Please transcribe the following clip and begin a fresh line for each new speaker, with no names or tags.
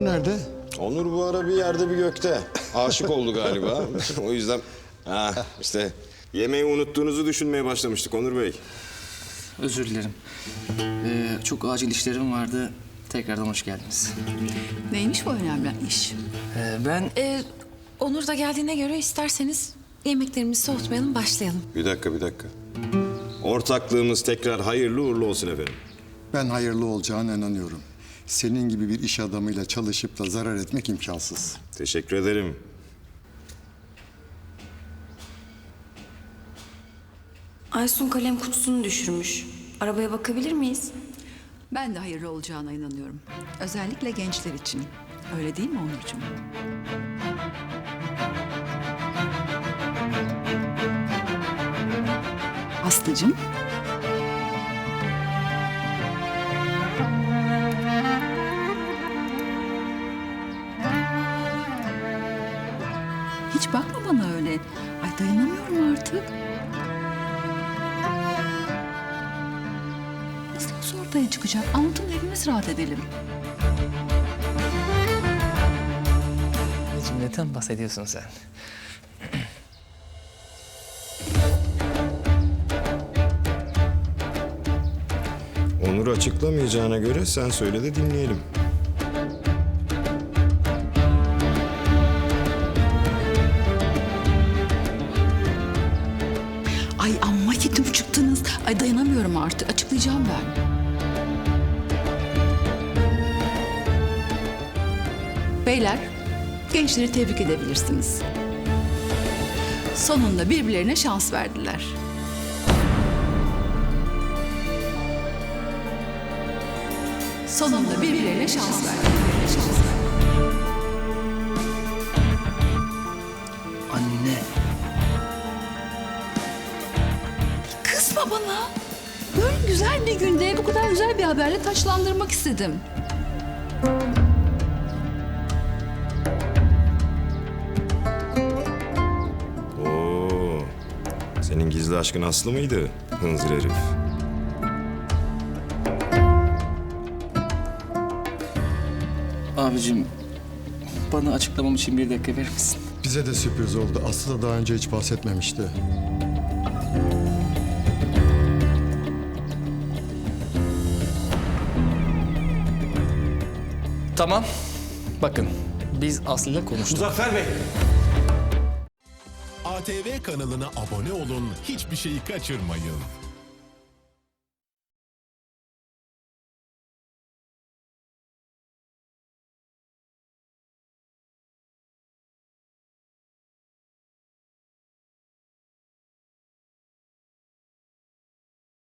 Nerede?
Onur bu ara bir yerde bir gökte. Aşık oldu galiba. O yüzden işte yemeği unuttuğunuzu düşünmeye başlamıştık Onur Bey.
Özür dilerim. Çok acil işlerim vardı. Tekrardan hoş geldiniz.
Neymiş bu önemli iş?
Ben...
Onur da geldiğine göre isterseniz yemeklerimizi soğutmayalım, başlayalım.
Bir dakika. Ortaklığımız tekrar hayırlı uğurlu olsun efendim.
Ben hayırlı olacağına inanıyorum. Senin gibi bir iş adamıyla çalışıp da zarar etmek imkansız.
Teşekkür ederim.
Aysun kalem kutusunu düşürmüş. Arabaya bakabilir miyiz?
Ben de hayırlı olacağına inanıyorum. Özellikle gençler için. Öyle değil mi Onurcuğum? Aslıcığım. Hiç bakma bana öyle. Ay dayanamıyorum artık. Nasıl olsa ortaya çıkacak. Anlatın hepimiz rahat edelim.
Ne cümleten bahsediyorsun sen?
Onur açıklamayacağına göre sen söyle de dinleyelim.
Ay amma yedim çıktınız. Ay dayanamıyorum artık. Açıklayacağım ben. Beyler, gençleri tebrik edebilirsiniz. Sonunda birbirlerine şans verdiler. Sonunda birbirlerine şans verdiler.
Anne.
Kızma bana. Böyle güzel bir günde bu kadar güzel bir haberle taçlandırmak istedim.
Oo, senin gizli aşkın Aslı mıydı? Hınzır herif.
Abicim, bana açıklamam için 1 dakika verir misin?
Bize de sürpriz oldu. Aslı da daha önce hiç bahsetmemişti.
Tamam. Bakın, biz Aslı'yla konuştuk.
Muzaffer Bey. ATV kanalına abone olun, hiçbir şeyi kaçırmayın.